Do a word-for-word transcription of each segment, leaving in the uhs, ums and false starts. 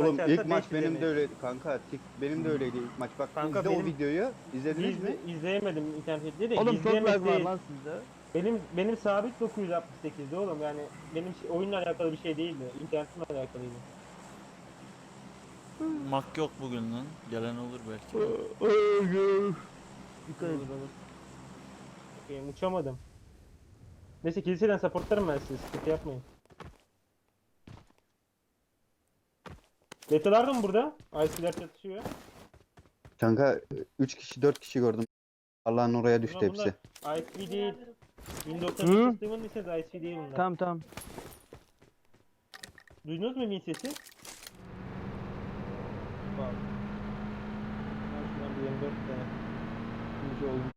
Oğlum açarsa ilk maç beş benim izlemeyiz. de öyle kanka. Tik benim de öyleydi ilk maç. Bak Kanka izle o benim- videoyu. İzlediniz mi? İzle, izleyemedim internette de. Oğlum çok izleyemek lag var değil. lan sizde. Benim benim sabit dokuz yüz altmış sekizdi oğlum, yani benim şey, oyunla alakalı bir şey değildi. İnternetimle alakalıydı. Mak yok bugün lan. Gelen olur belki. Dikkat edin. Olur olur. Bakayım, uçamadım. Neyse kiliseden supportlarım ben sizi, sıkıntı yapmayın. Betalar da mı burada? I C'ler çatışıyor. Kanka üç kişi dört kişi gördüm. Allah'ın oraya düştü Bunlar, bunlar hepsi. I C değil. Windows Hı? System'ın ise I C değil bunlar. Tamam tamam. Duydunuz mu Win sesi? Bak. Ben şuradan bir yirmi dört tane. ikinci oyun.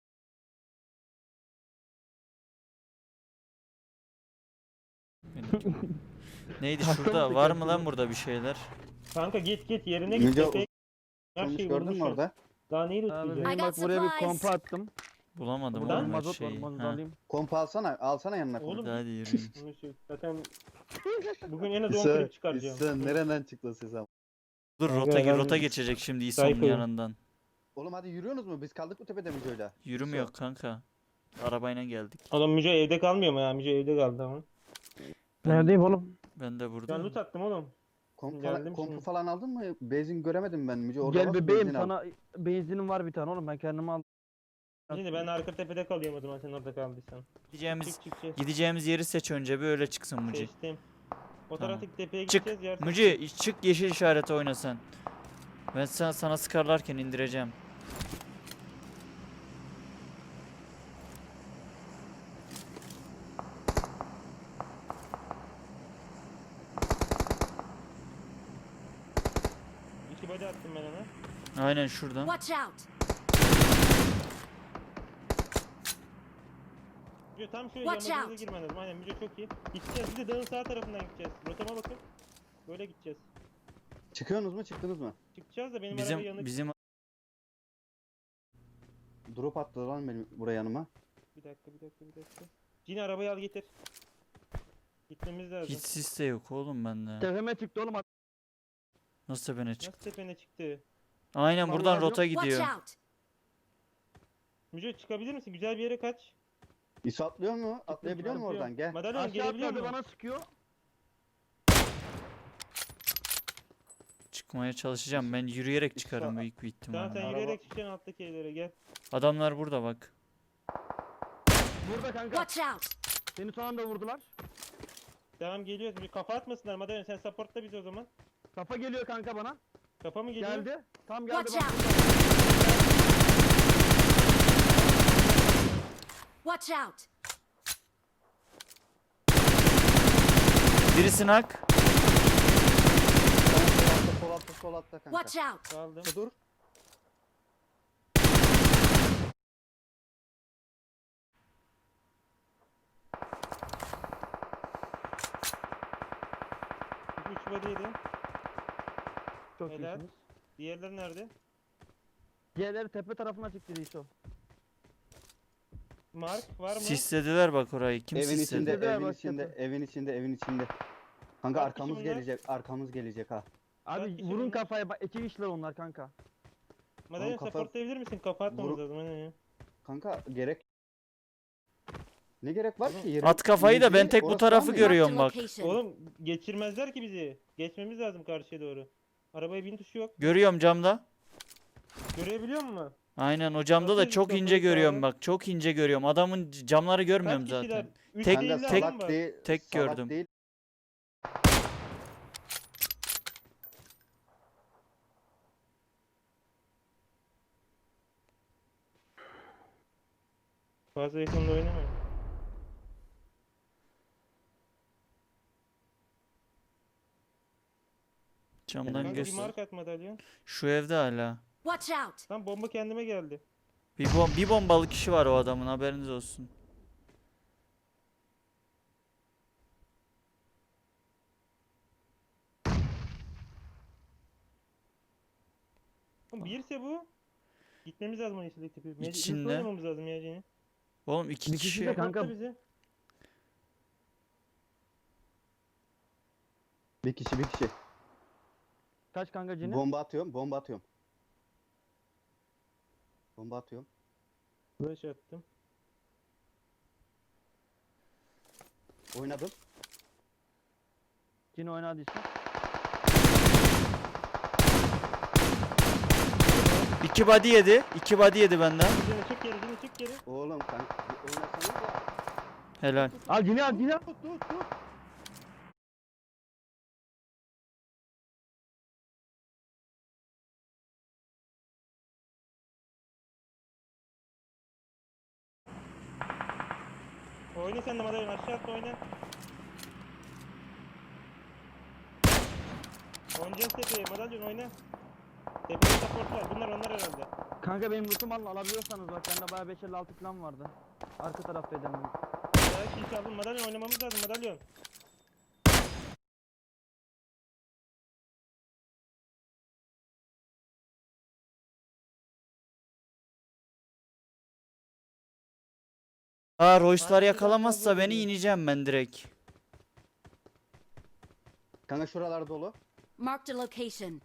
Neydi Hasta şurada? mı Var tekrar mı lan şurada? burada bir şeyler? Kanka git git yerine git. Müce tepeye- Her Sonuç şeyi gördün mü vurmuşsun. orada? Daha neyi Abi lootlayacağız? benim I bak got buraya bir supplies. kompa attım. Bulamadım Buradan oğlum her Mazot var, şeyi. onu da Ha. alayım. Kompa alsana. Alsana yanına kompa. Oğlum, Hadi hadi yürüyün. Bunu şey- zaten bugün en az on İsa, klip çıkaracağım. İsa nereden çıktı ses ama? Dur Kanka rota ben- rota geçecek şimdi İsa'nın Sayfayım. yanından. Oğlum hadi yürüyorsunuz mu? Biz kaldık mı tepede Müce'yle? Yürümüyor kanka. Arabayla geldik. Oğlum Müce evde kalmıyor mu ya? Müce evde kaldı ama. Neredeyim oğlum? Ben de Ben buradayım. loot attım oğlum. Komp Geldim falan, kompu şimdi. falan aldın mı? Benzin göremedim ben Müce. Orada Gel nasıl bebeğim benzin al? sana benzinim var bir tane oğlum ben kendime aldım. Şimdi ben arka tepede kalıyorum o zaman, sen orada kaldıysan. Gideceğimiz Çık çık çık. gideceğimiz yeri seç önce bir öyle çıksın Muci. Seçtim. O Tamam. taraftaki tepeye Çık. gideceğiz. Yer Muci çık yeşil işareti oyna sen. Ben sana, sana sıkarlarken indireceğim. İki body attım ben ona. Aynen şuradan. Watch out! Müce tam şöyle Watch yanımıza out. girmen lazım. Aynen Müce çok iyi. Gideceğiz, bir de dağın sağ tarafından gideceğiz. Rotama bakın. Böyle gideceğiz. Çıkıyorsunuz mu? Çıktınız mı? Çıkacağız da benim araba yanık. Bizim bizim Drop attı lan benim buraya yanıma. Bir dakika bir dakika bir dakika. Cini arabayı al getir. Gitmemiz lazım. hiç sis de yok oğlum bende. Tepeme çıktı oğlum. Nasıl tepene Nasıl çık? tepene çıktı? Aynen Vallahi buradan yok. rota Watch gidiyor. out! Müce çıkabilir misin? Güzel bir yere kaç. İsa atlıyor mu? Atlayabiliyor mu Atlıyorum. oradan? Gel. Madalyon Aşağı gelebiliyor atladı mu? bana sıkıyor. Çıkmaya çalışacağım. Ben yürüyerek çıkarım İsa- büyük bir Tamam sen ihtimalle. Araba- yürüyerek çıkacaksın alttaki evlere, gel. Adamlar burada bak. Burada kanka. Watch out! Seni son anda vurdular. Tamam geliyoruz. Bir kafa atmasınlar Madalyon, sen supportla bizi o zaman. Kafa geliyor kanka bana. Kafa mı geliyor? Geldi. Tam geldi Watch bak. out! Watch out! Birisi nak. Sol altta, sol altta, sol altta kanka. Watch out! Kaldım. Dur. üç body'ydi. Çok Helal. iyisiniz. Diğerleri nerede? Diğerleri tepe tarafına çıktı İso. Mark var mı? Sislediler bak orayı. Kim Evin sisledi? içinde, Sislediler evin bak içinde, tepe. evin içinde, evin içinde. Kanka Kaç kişi arkamız bunlar? gelecek, arkamız gelecek ha. Kaç Abi kişi vurun bunlar? kafaya bak iki kişiler onlar kanka. Madalyon Oğlum kafa- supportlayabilir misin? Kafa atmamız Vuru- lazım. Aynen ya. Kanka gerek ne gerek var ki? Yerin- At kafayı da ben Müce'yi tek bu orası tarafı almıyor. görüyorum. Marked a bak. location. Oğlum geçirmezler ki bizi. Geçmemiz lazım karşıya doğru. Arabaya bin tuşu yok. Görüyorum camda. Görebiliyor musun? Aynen o camda da Bakıyoruz, çok ince kafayı görüyorum sağa. bak. Çok ince görüyorum. Adamın c- camları görmüyorum Kaç kişiler? zaten. Üç Tek- değil Kanka de adam salak var. değil. Tek salak gördüm. Değil. Fazla yakında oynamayın. Camdan Kanka bir göster. mark at Madalyon. Şu evde hala. Watch out! Lan bomba kendime geldi. Bir, bom bir bombalı kişi var o adamın, haberiniz olsun. Oğlum birse bu. Gitmemiz lazım o yeşildeki tepe. Mecbur İçinde. oynamamız lazım ya Cini. Oğlum iki Bir kişi kişi. de kanka- Supportla bizi. Bir kişi bir kişi. Kaç kanka Cini? Bomba atıyorum. Bomba atıyorum. Bomba atıyorum. Flash attım. Oynadım. Cini oynadıysa. İki body yedi. İki body yedi benden. Cini çık geri, Cini çık geri. Oğlum kanka bir oynasanız da. Helal. Al Cini al Cini al. Tut tut tut. Oyna sen de madalyon aşağı atla oyna. Oynayacağız tepeye, madalyon oyna. Tepede support var, bunlar onlar herhalde. Kanka benim lootum alın alabiliyorsanız bak bende bayağı beş elli altı falan vardı. Arka taraftaydı hemen. Ya kill çaldın, madalyon oynamamız lazım, madalyon. Aa Royce'lar Ay, yakalamazsa biraz beni fazla ineceğim ben direkt. Kanka şuralar dolu. Marked a location.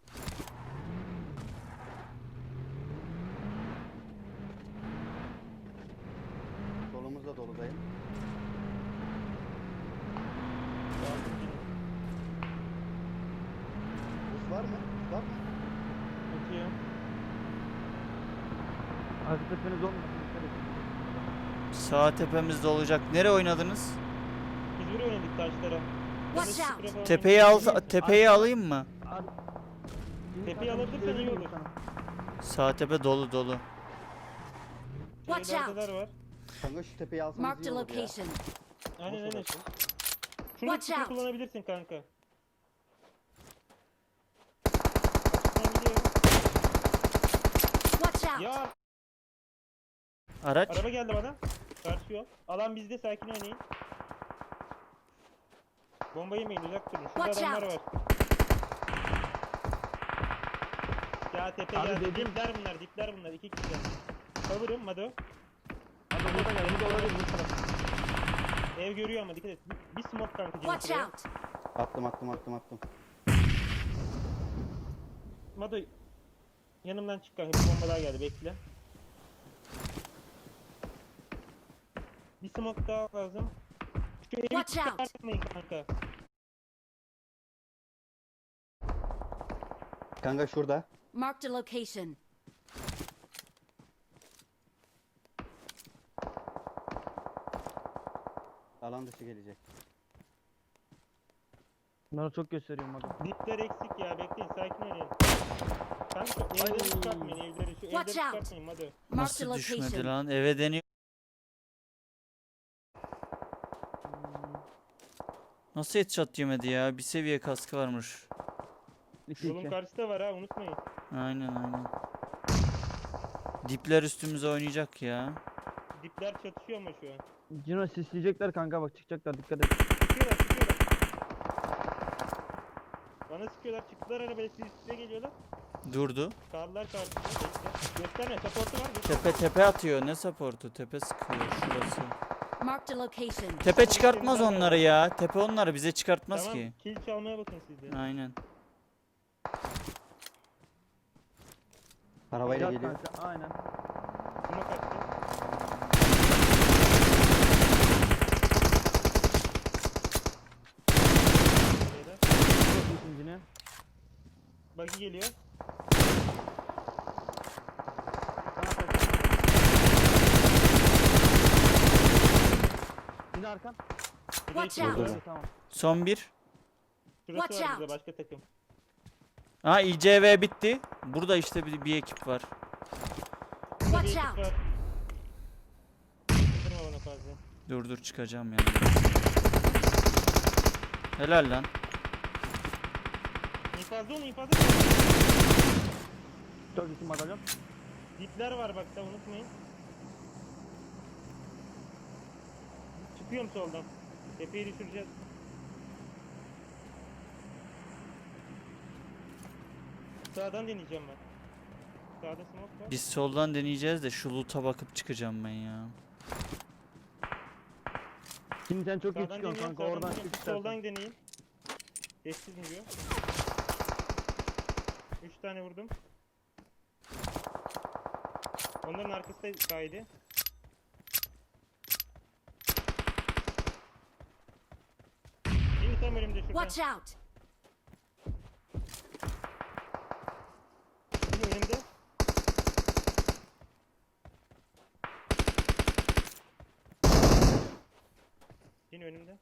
Solumuz da dolu dayım. Buz var mı? Buz var mı? Atıyorum. Arka tepeniz olmasın. Dikkat edin. Sağ tepemizde olacak. Nereye oynadınız? Biz buraya oynadık taşlara. Watch Ben de out. sprey falan Tepeyi al, oynadım. tepeyi alayım mı? Ar- Cini Tepeyi kanka, alabilirsen iyi söyleyeyim olur. sana. Sağ tepe dolu dolu. Watch Şeylerdeler out. var. Kanka şu tepeyi alsanız Marked iyi a olur ya. location. Aynen Boş aynen. orası. Şunu Watch sprey out. kullanabilirsin kanka. Açıktan gidiyorum. Watch out. Ya Araç. araba geldi bana. Karşı yol. Alan bizde, sakin oynayın. Bomba yemeyin, uzak durun. Şurada Watch adamlar out. var. Ya tepe Abi geldi. dedim. Dipler bunlar, dipler bunlar. İki kişi. Cover'ım Mado. Abi burada gel. Burada olabilir bu taraf. Ev görüyor ama dikkat et. Bir, bir smoke kanka. Watch Cemil out. Attım attım attım attım. Mado yanımdan çık kanka. Bir bomba daha geldi, bekle. Bir smoke daha lazım. Şu evi Watch out. çıkartmayın kanka. Kanka şurada. Marked a location. Alan dışı gelecek. Bunları çok gösteriyorum bak. Dipler eksik ya, bekleyin, sakin oynayın. Kanka şu evleri Ay. çıkartmayın, evleri. Şu evleri Watch out. çıkartmayın Mado. Marked a Nasıl düşmedi location. lan? Eve deniyor. Nasıl headshot yemedi ya? Bir seviye kaskı varmış. İki Yolun iki. karşısı da var ha, unutmayın. Aynen aynen. Dipler üstümüze oynayacak ya. Dipler çatışıyor ama şu an. Cino sisleyecekler kanka bak çıkacaklar dikkat et. Sıkıyorlar, sıkıyorlar. Bana sıkıyorlar, çıktılar arabaya, siz size geliyorlar. Durdu. Kaldılar karşısında, bekle. Gösterme, supportu var. göster. Tepe tepe atıyor. Ne supportu? Tepe sıkıyor şurası. Marked a location. Tepe çıkartmaz onları ya. Tepe onları bize çıkartmaz Tamam, ki. kill çalmaya bakın siz de. Aynen. Arabayla Yat geliyor. kanka aynen. Smoke attı. Beyler, Çok iyisin Cini. Buggy geliyor. Sana kaç. Cini arkan. Bir de Watch iki out. var. Öyle, tamam. Son bir. Şurası Watch var bize, out. başka takım. Ha I C V bitti. Burada işte bir, bir ekip var. Burada bir Watch ekip out. var. Kırdırma bana fazla. Dur dur çıkacağım yani. Helal lan. İnfazda olun, infazda olun. Çok iyisin madalyon. Dipler var bak da, unutmayın. Çıkıyorum soldan. Tepeyi düşüreceğiz. Sağdan deneyeceğim ben. Sağda smoke var. Biz soldan deneyeceğiz de şu loot'a bakıp çıkacağım ben ya. Şimdi sen çok iyi Sağdan çıkıyorsun deniyorum, kanka sağdan oradan deniyorum. çık Siz istersen. soldan deneyin. Sessiz vuruyor. tane vurdum. Onların arkasında kaydı. Şimdi tam önümde şurada. Watch out! Şimdi önümde. Yine önümde.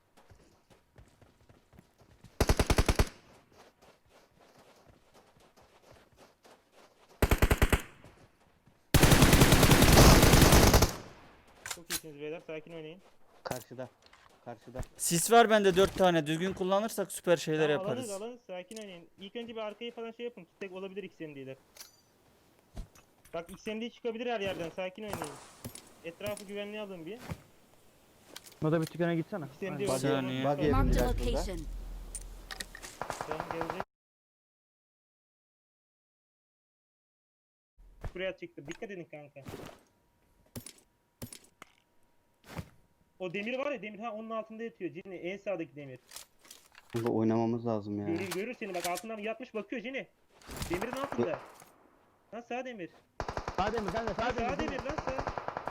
Çok iyisiniz beyler, sakin oynayın. Karşıda. Karşıda. Sis var bende dört tane. Düzgün kullanırsak süper şeyler Tamam, yaparız. Alanız alanız, sakin oynayın. İlk önce bir arkayı falan şey yapın. Tek olabilir X M D'ler. Bak X M D çıkabilir her yerden, sakin oynayın. Etrafı güvenliğe alın bir. Moda bir tükene gitsene. X M D Aynen. var. Saniye. Bak yedim Marked a biraz burada. location. Tamam, gelecek. Buraya çıktı. Dikkat edin kanka. O demir var ya, demir ha onun altında yatıyor Cini, en sağdaki demir. Burada oynamamız lazım ya. Görür görür seni, bak altından yatmış bakıyor Cini. Demirin altında. Lan sağ demir. Sağ demir kanka Sağ, sağ demir. sağ demir lan sağ.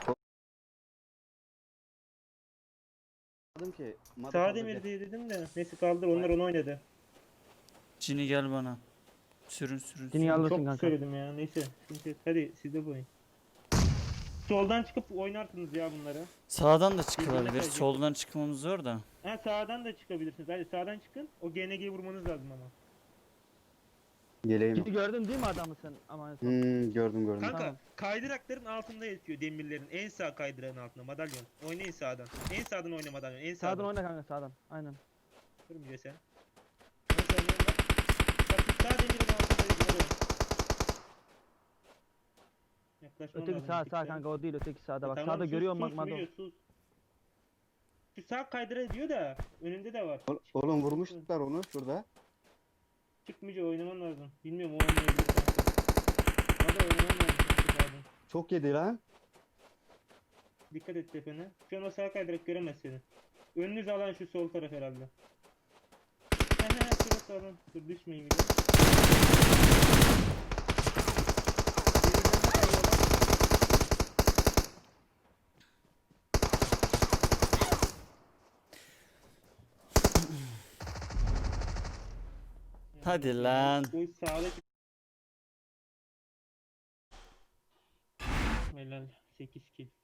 Dedim ki. Mada Sağ kaldı demir diye. diye dedim de. Neyse kaldır, onlar onu oynadı. Cini gel bana. Sürün sürün. Cini sürün. alırsın Çok kanka. söyledim ya, neyse. Şimdi hadi siz de bu oyun. Soldan çıkıp oynarsınız ya bunları. Sağdan da Birbirine çıkılabilir. kayacak. Soldan çıkmamız zor da. Ha sağdan da çıkabilirsiniz. Hadi sağdan çıkın. O G N G'yi vurmanız lazım ama. Yeleğim yok. Cini gördün değil mi adamı sen? Ama en son. Hmm, gördüm gördüm. Kanka Tamam. kaydırakların altında yatıyor demirlerin. En sağ kaydırağın altında madalyon. Oynayın sağdan. En sağdan oyna madalyon. En sağdan. Sağdan oyna kanka sağdan. Aynen. Durmuyor sen. En sağdan oyna. Bak şu sağ demirin altında yatıyor. Yaklaşman Öteki lazım sağ bir sağ tık kanka o değil öteki sağda bak. Tamam, Sağda sus, görüyorum bak sus, Mado. Müge, sus. Şu sağ kaydıra diyor da önünde de var. Ol- Oğlum vurmuşlar onu şurada. Çıkmayacak, oynaman lazım. Bilmiyorum, o oynamayabilir kanka. Hadi oynaman lazım kanka sağdan. Çok yedi lan. Dikkat et tepene. Şu an o sağ kaydırak göremez seni. Önünüz alan şu sol taraf herhalde. He he he, şurası alan. Dur düşmeyin bir de. Birbirlerine kayıyorlar. Hadi lan. O sağdaki... Helal. sekiz kill.